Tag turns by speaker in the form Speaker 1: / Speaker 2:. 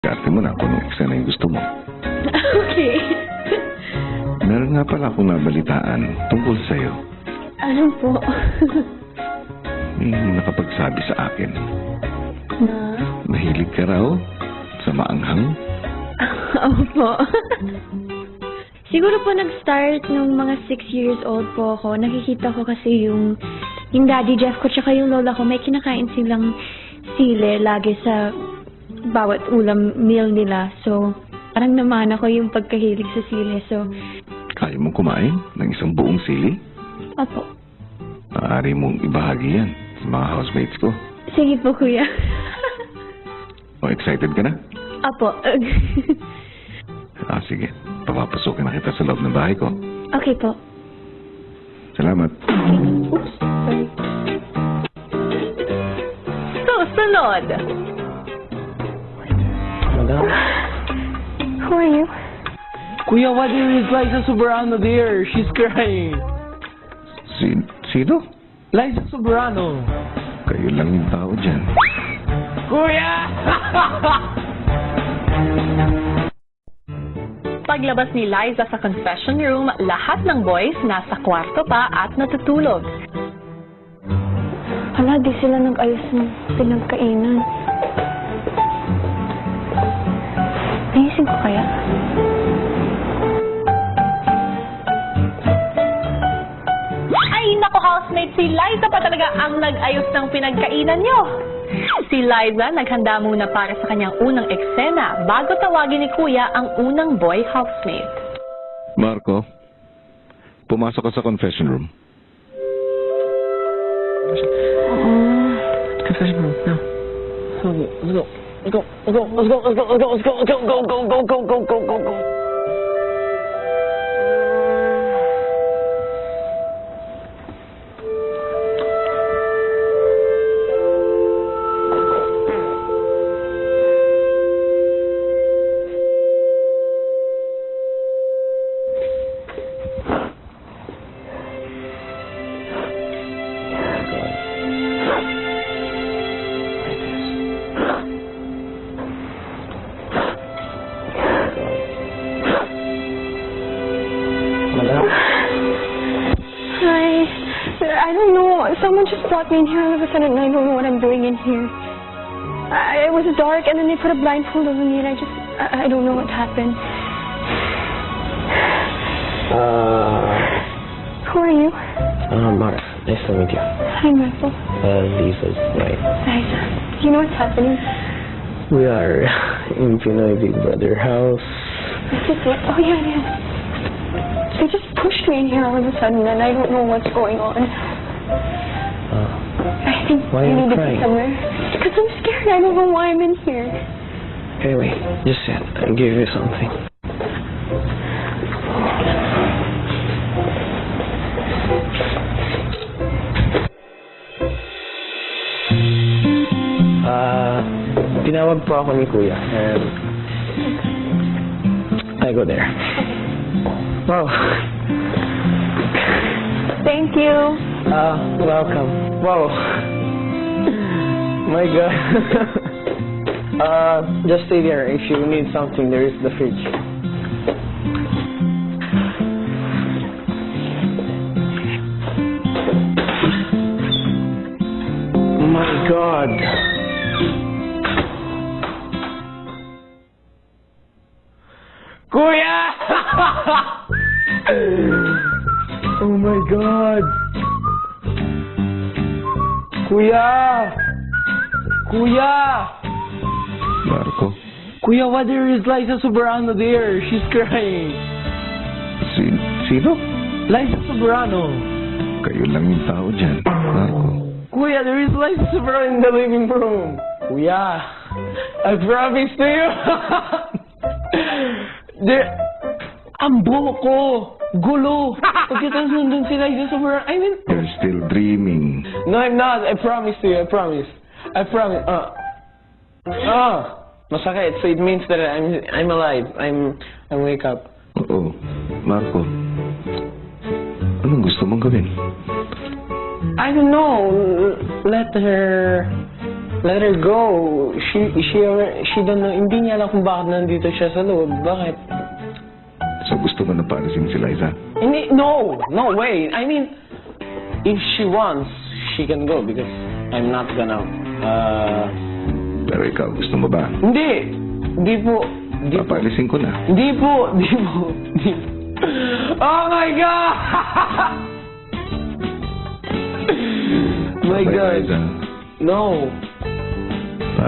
Speaker 1: Karte mo na kung anong eksena yung gusto mo.
Speaker 2: Okay.
Speaker 1: Meron nga pala akong nabalitaan tungkol sa'yo.
Speaker 2: Ano po?
Speaker 1: May nakapagsabi sa akin.
Speaker 2: Na?
Speaker 1: Mahilig ka raw sa maanghang.
Speaker 2: Opo. Siguro po nag-start nung mga 6 years old po ako. Nakikita ko kasi yung Daddy Jeff ko tsaka yung lola ko, may kinakain silang sili lagi sa bawat ulam meal nila. So, parang naman ako yung pagkahilig sa sili. So,
Speaker 1: Kaya mong kumain ng isang buong sili?
Speaker 2: opo.
Speaker 1: Maaari mong ibahagi yan sa mga housemates ko.
Speaker 2: Sige po, kuya.
Speaker 1: O, excited ka na?
Speaker 2: Opo.
Speaker 1: Sige. Papapasukin na kita sa loob ng bahay ko.
Speaker 2: Okay po.
Speaker 1: Salamat.
Speaker 2: Oops, sorry.
Speaker 3: Susunod.
Speaker 4: Madam?
Speaker 2: Who are you?
Speaker 4: Kuya, what is Liza Soberano there? She's crying.
Speaker 1: Sino?
Speaker 4: Liza Soberano.
Speaker 1: Kayo lang yung tao dyan.
Speaker 4: Kuya!
Speaker 3: Paglabas ni Liza sa confession room, lahat ng boys nasa kwarto pa at natutulog.
Speaker 2: Hala, di sila nag-ayos ng pinagkainan. Naisip ko kaya?
Speaker 3: Ay, naku housemate, si Liza pa talaga ang nag-ayos ng pinagkainan nyo. Si Liza naghanda muna para sa kanyang unang eksena bago tawagin ni Kuya ang unang boy housemate.
Speaker 1: Marco, pumasok ka sa confession room.
Speaker 4: Confession room, no. Let's go. Let's go. Let's go. Let's go. Let's go. Let's go. Let's go. Let's go. Go. Go. Go. Go. Go. Go. Go. Go. Madam?
Speaker 2: Hi. I don't know. Someone just brought me in here all of a sudden and I don't know what I'm doing in here. It was dark and then they put a blindfold over me and I don't know what happened. Who are you?
Speaker 4: Mark. Nice to meet you.
Speaker 2: Hi, Michael.
Speaker 4: Lisa's right.
Speaker 2: Liza. Do you know what's happening?
Speaker 4: We are in Pinoy Big Brother house.
Speaker 2: Is this it? Oh, yeah. They just pushed me in here all of a sudden and I don't know what's going on. I think
Speaker 4: Why are
Speaker 2: I
Speaker 4: you
Speaker 2: need to
Speaker 4: crying?
Speaker 2: be somewhere. Because I'm scared. I don't know why I'm in here.
Speaker 4: Anyway, just sit. I'll give you something. Tinawag po ako ni Kuya and I go there. Wow.
Speaker 2: Thank you.
Speaker 4: Welcome. Wow. My God. Just stay there. If you need something, there is the fridge. My God. Kuya! Oh my God. Kuya! Kuya!
Speaker 1: Marco,
Speaker 4: Kuya, what there is Liza Soberano there? She's crying.
Speaker 1: sino?
Speaker 4: Liza Soberano.
Speaker 1: Kayo lang yung tao dyan. Marco,
Speaker 4: Kuya, there is Liza Soberano in the living room. Kuya, I promise to you. Ang buhok ko. Gulo. Pagkatapos nandun si Liza Soberano. I mean,
Speaker 1: you're still dreaming.
Speaker 4: no, I'm not. I promise to you. I promise. I promise. Masakit. So it means that I'm alive. I'm wake up.
Speaker 1: Oo. Marco, anong gusto mong gawin?
Speaker 4: I don't know. Let her Let her go. She don't know. Hindi niya alam kung bakit nandito siya sa loob. Bakit?
Speaker 1: So gusto mo na paalisin si Liza?
Speaker 4: Hindi, no way. I mean, if she wants, she can go because I'm not gonna,
Speaker 1: Pero ikaw, gusto mo ba?
Speaker 4: Hindi po.
Speaker 1: Papaalisin ko na.
Speaker 4: Hindi po. Oh my God! My
Speaker 1: Bye,
Speaker 4: God.
Speaker 1: Liza.
Speaker 4: No.